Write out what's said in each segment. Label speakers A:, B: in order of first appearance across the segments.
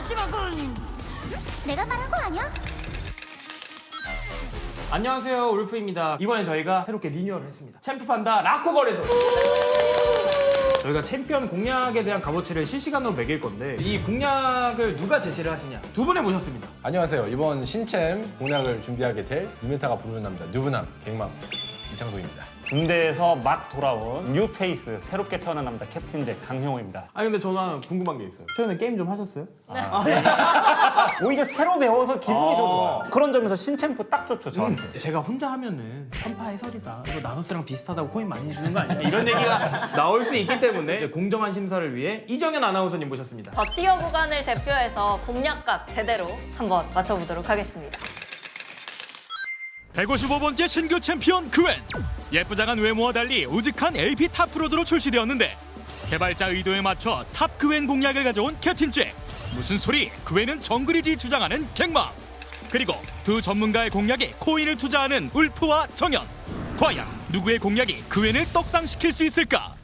A: 내가 말한 거 아니야?
B: 안녕하세요, 울프입니다. 이번에 저희가 새롭게 리뉴얼을 했습니다. 챔프판다 라코걸에서 저희가 챔피언 공략에 대한 값어치를 실시간으로 매길 건데 이 공략을 누가 제시를 하시냐 두 분을 모셨습니다.
C: 안녕하세요. 이번 신챔 공략을 준비하게 될 유메타가 부르는 남자 뉴브남 갱맘 이창동입니다.
D: 군대에서 막 돌아온 뉴페이스 새롭게 태어난 남자 캡틴 잭 강형호입니다.
B: 아니 근데 저는 궁금한 게 있어요. 최근에 게임 좀 하셨어요?
D: 오히려 새로 배워서 기분이 더 좋아요. 그런 점에서 신챔프 딱 좋죠 저한테.
B: 제가 혼자 하면은 편파 해설이다. 이거 나서스랑 비슷하다고 코인 많이 주는 거 아니야? 이런 얘기가 나올 수 있기 때문에 이제 공정한 심사를 위해 이정현 아나운서님 모셨습니다.
E: 버티어 구간을 대표해서 공략값 제대로 한번 맞춰보도록 하겠습니다.
F: 155번째 신규 챔피언 그웬. 예쁘장한 외모와 달리 우직한 AP 탑 프로드로 출시되었는데 개발자 의도에 맞춰 탑 그웬 공략을 가져온 캡틴 잭. 무슨 소리? 그웬은 정글이지 주장하는 갱맘. 그리고 두 전문가의 공략에 코인을 투자하는 울프와 정현. 과연 누구의 공략이 그웬을 떡상시킬 수 있을까?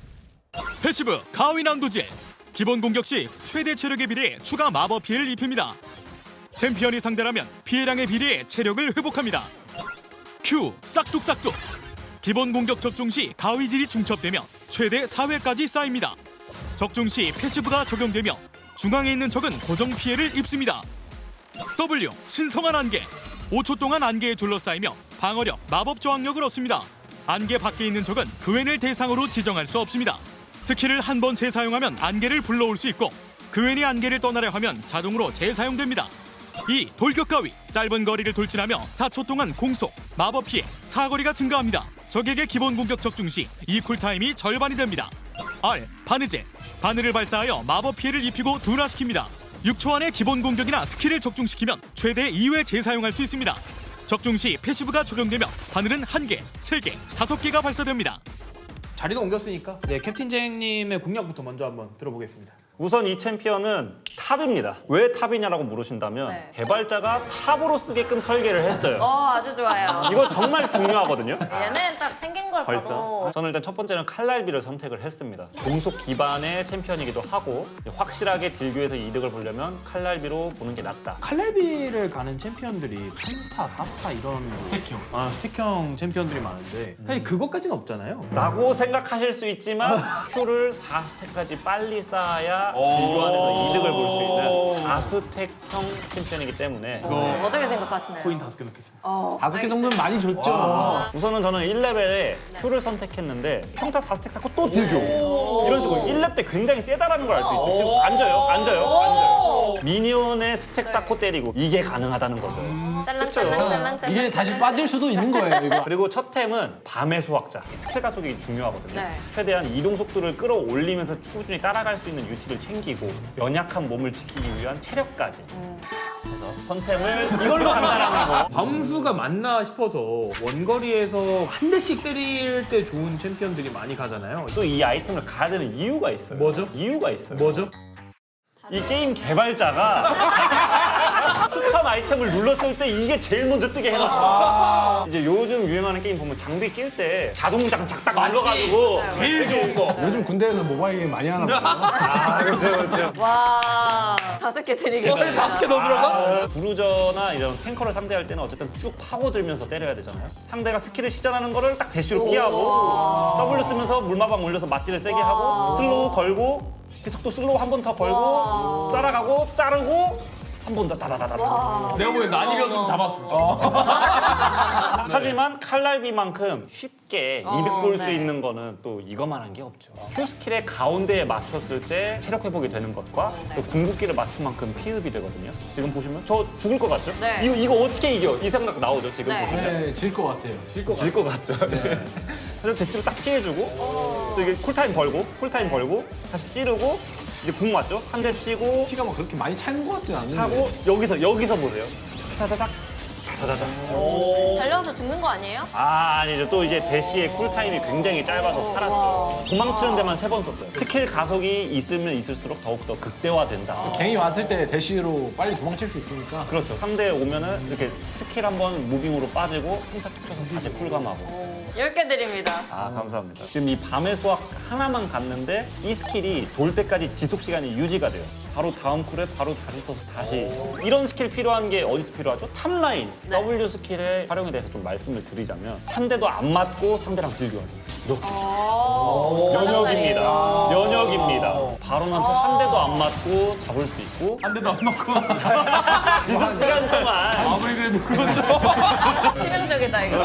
F: 패시브 가위난도제. 기본 공격 시 최대 체력에 비례해 추가 마법 피해를 입힙니다. 챔피언이 상대라면 피해량에 비례해 체력을 회복합니다. Q 싹둑싹둑. 기본 공격 적중 시 가위질이 중첩되며 최대 4회까지 쌓입니다. 적중 시 패시브가 적용되며 중앙에 있는 적은 고정 피해를 입습니다. W 신성한 안개. 5초 동안 안개에 둘러싸이며 방어력, 마법 저항력을 얻습니다. 안개 밖에 있는 적은 그웬을 대상으로 지정할 수 없습니다. 스킬을 한 번 재사용하면 안개를 불러올 수 있고 그웬이 안개를 떠나려 하면 자동으로 재사용됩니다. 2. 돌격 가위. 짧은 거리를 돌진하며 4초 동안 공속, 마법 피해, 사거리가 증가합니다. 적에게 기본 공격 적중 시 이 쿨타임이 절반이 됩니다. R. 바느제. 바늘을 발사하여 마법 피해를 입히고 둔화시킵니다. 6초 안에 기본 공격이나 스킬을 적중시키면 최대 2회 재사용할 수 있습니다. 적중 시 패시브가 적용되며 바늘은 1개, 3개, 5개가 발사됩니다.
B: 자리도 옮겼으니까 이제 캡틴 잭님의 공략부터 먼저 한번 들어보겠습니다.
D: 우선 이 챔피언은 탑입니다. 왜 탑이냐라고 물으신다면
E: 네.
D: 개발자가 탑으로 쓰게끔 설계를 했어요.
E: 아주 좋아요.
D: 이거 정말 중요하거든요.
E: 얘는 딱 생긴 걸
D: 벌써?
E: 봐도
D: 저는 일단 첫 번째는 칼날비를 선택을 했습니다. 공속 기반의 챔피언이기도 하고 확실하게 딜교에서 이득을 보려면 칼날비로 보는 게 낫다.
B: 칼날비를 가는 챔피언들이 3타, 4타 이런 스택형 챔피언들이 많은데 사실 그것까지는 없잖아요.
D: 라고 생각하실 수 있지만 Q를 4스택까지 빨리 쌓아야 딜교 안에서 이득을 볼 수 있는 4스택형 챔피언이기 때문에
E: 어떻게 생각하시나요?
B: 코인 5개 넣겠습니다.
C: 5개 정도는 많이 줬죠.
D: 우선은 저는 1레벨에 Q를 선택했는데 평타 4스택 쌓고 또 딜교 이런 식으로 1렙 때 굉장히 세다라는 걸 알 수 있죠. 지금 앉아요. 미니언의 스택 쌓고 때리고 이게 가능하다는 거죠.
E: 짤랑짤랑짤랑짤랑.
C: 이게 다시 빠질 수도 있는 거예요, 이거.
D: 그리고 첫 템은 밤의 수학자 스킬 가속이 중요하거든요.
E: 네.
D: 최대한 이동 속도를 끌어올리면서 꾸준히 따라갈 수 있는 유치를 챙기고 연약한 몸을 지키기 위한 체력까지 그래서 선템을 이걸로 한다라는 거.
B: 밤수가 맞나 싶어서 원거리에서 한 대씩 때릴 때 좋은 챔피언들이 많이 가잖아요.
D: 또 이 아이템을 가야 되는 이유가 있어요.
B: 뭐죠?
D: 이유가 있어요.
B: 뭐죠?
D: 이 게임 개발자가 추천 아이템을 눌렀을 때 이게 제일 먼저 뜨게 해놨어. 이제 요즘 유행하는 게임 보면 장비 낄 때 자동장 딱 눌러가지고
B: 제일 좋은 거.
C: 요즘 군대에서 모바일 게임 많이 하나 봐요.
D: 그렇죠.
E: 와, 5개 드리겠습니다.
B: 5개 더 들어가?
D: 브루저나 이런 탱커를 상대할 때는 어쨌든 쭉 파고들면서 때려야 되잖아요. 상대가 스킬을 시전하는 거를 딱 대쉬로 피하고 W 쓰면서 물마방 올려서 맞디를 세게 하고 슬로우 걸고 계속 슬로우 한 번 더 걸고 따라가고 자르고 한 번 더 다다다다.
B: 내가 보기엔 난이었으면 잡았어.
D: 하지만 칼날비만큼 쉽게 이득 볼 수
E: 네.
D: 있는 거는 또 이거만한 게 없죠. Q 스킬의 가운데에 맞췄을 때 체력 회복이 되는 것과 또 궁극기를 맞춘 만큼 피흡이 되거든요. 지금 보시면 저 죽을 것 같죠?
E: 네.
D: 이거 어떻게 이겨? 이 생각 나오죠 지금
E: 네.
D: 보시면.
C: 네, 질 것 같아요.
D: 질 것 같죠. 그래서 대치로 딱 피해주고 또 이게 쿨타임 벌고 다시 찌르고 이제 궁 맞죠? 한 대 치고
C: 피가 막 그렇게 많이 차는 것 같진 않은데.
D: 차고 여기서 보세요. 타다닥 타다닥.
E: 달려서 죽는 거 아니에요?
D: 아니죠. 또 이제 대시의 쿨타임이 굉장히 짧아서 살았죠. 도망치는 데만 3번 썼어요. 스킬 가속이 있으면 있을수록 더욱더 극대화된다.
C: 갱이 왔을 때 대쉬로 빨리 도망칠 수 있으니까.
D: 그렇죠. 상대 오면은 이렇게 스킬 한번 무빙으로 빠지고 평타 툭 쳐서 다시 쿨감하고.
E: 10개 드립니다.
D: 아, 감사합니다. 지금 이 밤의 수학 하나만 갔는데 이 스킬이 돌 때까지 지속 시간이 유지가 돼요. 바로 다음 쿨에 바로 다시 써서 다시 이런 스킬 필요한 게 어디서 필요하죠? 탑라인
E: 네.
D: W 스킬의 활용에 대해서 좀 말씀을 드리자면 한 대도 안 맞고 상대랑 딜교하기 면역입니다. 면역입니다. 바론한테 한 대도 안 맞고 잡을 수 있고
B: 한 대도 안 맞고.
D: 지속 시간 동안
B: 아무리 그래도 그건 좀.
E: 치명적이다 이거.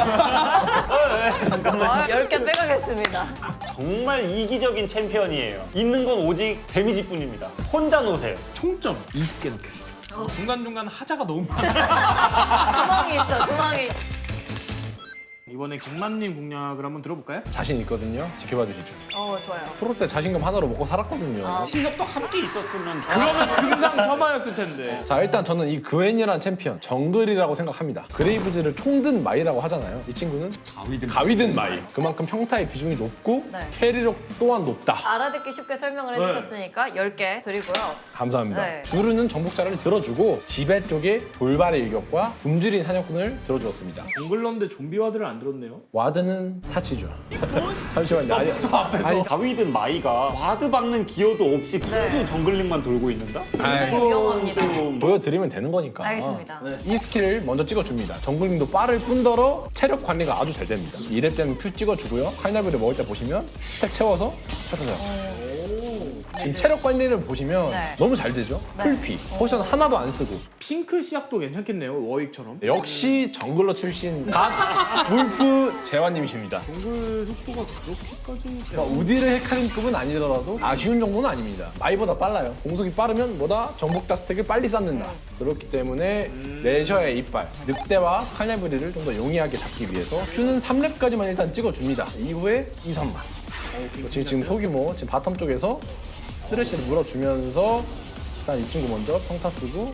E: 잠깐만. 10개 빼가겠습니다.
D: 정말 이기적인 챔피언이에요. 있는 건 오직 데미지뿐입니다. 혼자 노세요.
B: 총점 20개 넣겠습니다. 중간중간 하자가 너무 많아.
E: 구멍이 있어, 구멍이.
B: 이번에 갱맘님 공략을 한번 들어볼까요?
C: 자신 있거든요. 지켜봐 주시죠.
E: 좋아요.
C: 프로 때 자신감 하나로 먹고 살았거든요.
D: 실력도 함께 있었으면
B: 그러면 금상첨화였을 텐데.
C: 자, 일단 저는 이 그웬이라는 챔피언 정글이라고 생각합니다. 그레이브즈를 총든 마이라고 하잖아요. 이 친구는 가위든 마이. 그만큼 평타의 비중이 높고
E: 네.
C: 캐리력 또한 높다.
E: 알아듣기 쉽게 설명을 해주셨으니까 10개 드리고요.
C: 감사합니다.
E: 네.
C: 주르는 정복자를 들어주고 지배 쪽에 돌발의 일격과 굶주린 사냥꾼을 들어주었습니다.
B: 정글런데 좀비와드를 안 들었네요.
C: 와드는 사치죠. 잠시만요. 아니,
D: 다위든 마이가 와드 박는 기여도 없이 순수 정글링만 돌고 있는다?
E: 굉장히 위험합니다.
C: 보여드리면 되는 거니까.
E: 알겠습니다.
C: 이 스킬을 먼저 찍어줍니다. 정글링도 빠를 뿐더러 체력 관리가 아주 잘 됩니다. 2렙 때는 Q 찍어주고요. 칼날비를 먹을 때 보시면 스택 채워서 쳐주세요. 지금 체력 관리를 보시면
E: 네.
C: 너무 잘 되죠?
E: 네.
C: 풀피, 포션 하나도 안 쓰고.
B: 핑크 시약도 괜찮겠네요. 워익처럼.
C: 역시 정글러 출신 갓 울프 재환님이십니다.
B: 정글 속도가 그렇게까지.
C: 우디르 헤카림급은 아니더라도 아쉬운 정도는 아닙니다. 마이보다 빨라요. 공속이 빠르면 뭐다 정복자 스택을 빨리 쌓는다. 그렇기 때문에 레셔의 이빨, 늑대와 칼날부리를 좀 더 용이하게 잡기 위해서 Q는 3렙까지만 일단 찍어줍니다. 이후에 2, 3만. 지금 소규모 지금 바텀 쪽에서 쓰레쉬를 물어주면서 일단 이 친구 먼저 평타 쓰고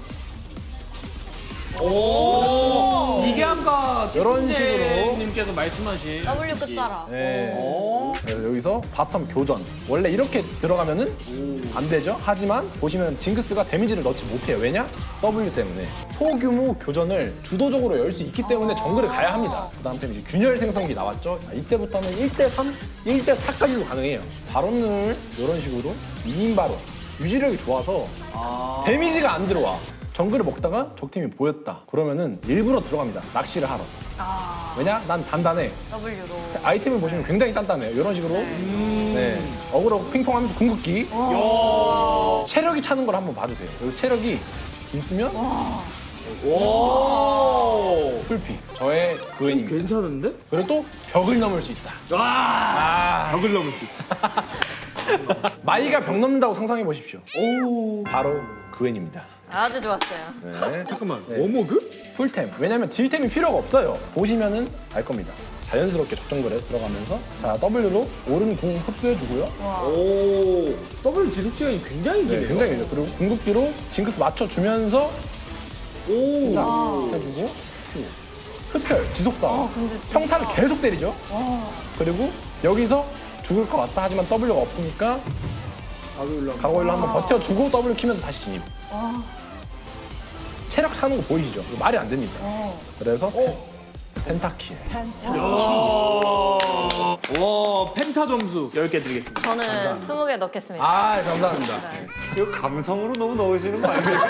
B: 이게 아까
C: 이런 식으로.
B: 님께서 말씀하신
E: W 끝자라.
C: 네. 그래서 여기서 바텀 교전. 원래 이렇게 들어가면은 안 되죠. 하지만 보시면 징크스가 데미지를 넣지 못해요. 왜냐? W 때문에. 소규모 교전을 주도적으로 열 수 있기 때문에 정글을 가야 합니다. 그 다음 때문에 이제 균열 생성기 나왔죠. 이때부터는 1대3, 1대4까지도 가능해요. 바론을 이런 식으로 2인 바론. 유지력이 좋아서 데미지가 안 들어와. 정글을 먹다가 적팀이 보였다. 그러면은 일부러 들어갑니다. 낚시를 하러. 왜냐? 난 단단해.
E: W로.
C: 아이템을 보시면 굉장히 단단해요. 이런 식으로. 네. 어그로 핑퐁하면서 궁극기. 체력이 차는 걸 한번 봐주세요. 여기 체력이 있으면 풀피. 저의 그웬입니다.
B: 괜찮은데?
C: 그리고 또 벽을 넘을 수 있다.
B: 벽을 넘을 수 있다.
C: 마이가 벽 넘는다고 상상해 보십시오. 바로 그웬입니다.
E: 아주 좋았어요.
C: 네.
B: 잠깐만.
C: 네.
B: 워머그?
C: 풀템. 왜냐면 딜템이 필요가 없어요. 보시면은 알 겁니다. 자연스럽게 적정글에 들어가면서 자 W로 오른 궁 흡수해주고요.
B: 오. W 지속 시간이 굉장히
C: 네,
B: 기네요.
C: 굉장히 길죠. 그리고 궁극기로 징크스 맞춰주면서 해주고 흡혈, 지속싸움. 평타를 계속 때리죠. 그리고 여기서 죽을 것 같다 하지만 W가 없으니까 가고일로 한번 버텨주고 W 키면서 다시 진입. 체력 차는 거 보이시죠? 이거 말이 안 됩니다. 그래서 펜타킬.
B: 와, 펜타 점수 10개 드리겠습니다.
E: 저는 20개 넣겠습니다.
C: 아, 감사합니다.
D: 이거 감성으로 너무 넣으시는 거 아니에요?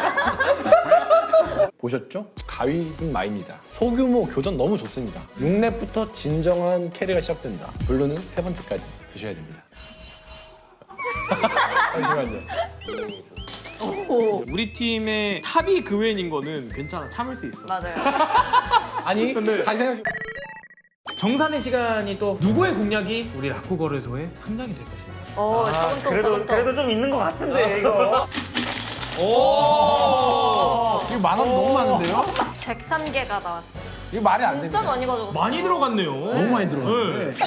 C: 보셨죠? 가위는 마입니다. 소규모 교전 너무 좋습니다. 6렙부터 진정한 캐리가 시작된다. 블루는 3번째까지 드셔야 됩니다. 잠시만요.
B: 우리 팀의 탑이 그웬인 거는 괜찮아. 참을 수 있어.
E: 맞아요.
C: 아니, 다시 생각해.
B: 정산의 시간이 또 누구의 공략이 우리 라쿠 거래소의 상장이 될 것인가?
E: 오, 조금 더, 조금 더.
D: 그래도 좀 있는 것 같은데 이거.
C: 이거 많아서 너무 많은데요?
E: 103개가 나왔어요.
C: 이거 말이 안
E: 진짜
C: 됩니다.
E: 많이 가져갔어요.
B: 많이 들어갔네요.
C: 너무 많이 들어갔는데.
B: 네.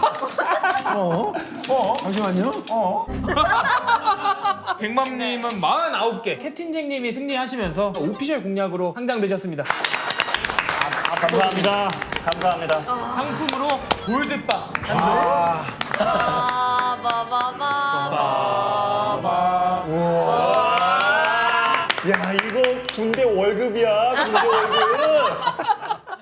B: 이상하다.
C: 잠시만요.
B: 백맘님은 49개, 캡틴잭님이 승리하시면서 오피셜 공략으로 상장되셨습니다.
D: 감사합니다. 감사합니다.
B: 상품으로 골드빵.
C: 아,